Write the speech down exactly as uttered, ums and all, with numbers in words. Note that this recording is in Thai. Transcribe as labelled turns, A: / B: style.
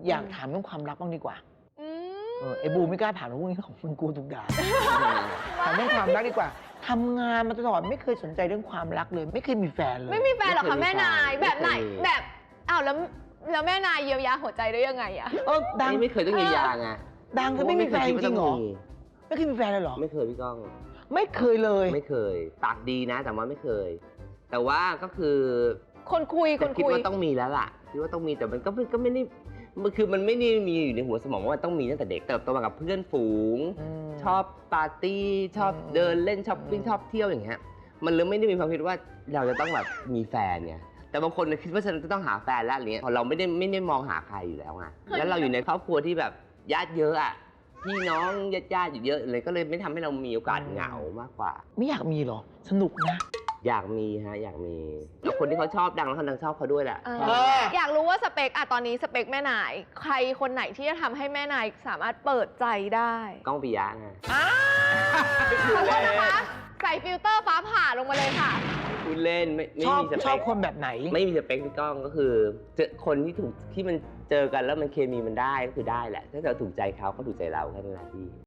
A: อยากถามเรื่องความรักบ้างดีกว่าเออไอ้บูไม่กล้าถามเรื่องพวกนี้ของมันกลัวถูกด่าถามเรื่องความรักดีกว่าทำงานมาตลอดไม่เคยสนใจเรื่องความรักเลยไม่เคยมีแฟนเลย
B: ไม่มีแฟนหรอคะแม่นายแบบไหนแบบอ้าวแล้วแล้วแม่นายเยียวยาหัวใจได้ยังไงอะ
A: เออดัง
C: ไม่เคยต้องเยียวยาไง
A: ดังก็ไม่มีแฟนจริงเหรอไม่เคยมีแฟนเลยเหรอ
C: ไม่เคยพี่ก้อง
A: ไม่เคยเลย
C: ไม่เคยปากดีนะแต่ว่าไม่เคยแต่ว่าก็คือ
B: คนคุยคน
C: คุยคิดว่าต้องมีแล้วล่ะคิดว่าต้องมีแต่มันก็ก็ไม่ได้มันคือมันไม่ได้มีอยู่ในหัวสมองว่าต้องมีตั้งแต่เด็กเติบโตมากับเพื่อนฝูงชอบปาร์ตี้ชอบเดินเล่นช้อปปิ้งชอบเที่ยวอย่างเงี้ยมันเลยไม่ได้มีความคิดว่าเราจะต้องแบบมีแฟนเนี่ยแต่บางคนคิดว่าฉันจะต้องหาแฟนแล้วอะไรเงี้ยพอเราไม่ได้ไม่ได้มองหาใครอยู่แล้วไงแล้วเราอยู่ในครอบครัวที่แบบญาติเยอะอ่ะพี่น้องญาติญาติอยู่เยอะเลยก็เลยไม่ทำให้เรามีโอกาสเหงามากกว่า
A: ไม่อยากมีหรอสนุกนะ
C: อยากมีฮะอยากมีแล้วคนที่เขาชอบดังแล้วคนดังชอบเขาด้วยแหละ
B: อยากรู้ว่าสเปคอะตอนนี้สเปคแม่นายใครคนไหนที่จะทำให้แม่นายสามารถเปิดใจได้
C: ก้องปิยะไง
B: ขอโทษนะคะใส่ฟิลเตอร์ฟ้าผ่าลงมาเลยค่ะ
C: คุณเล่นไม่ไม่
A: มี
C: สเปค
A: ชอบคนแบบไหน
C: ไม่มีสเปคพี่ก้องก็คือเจอคนที่ถูกที่มันเจอกันแล้วมันเคมีมันได้ก็คือได้แหละถ้าเราถูกใจเขาเขาถูกใจเราแค่นั้นแหละพี่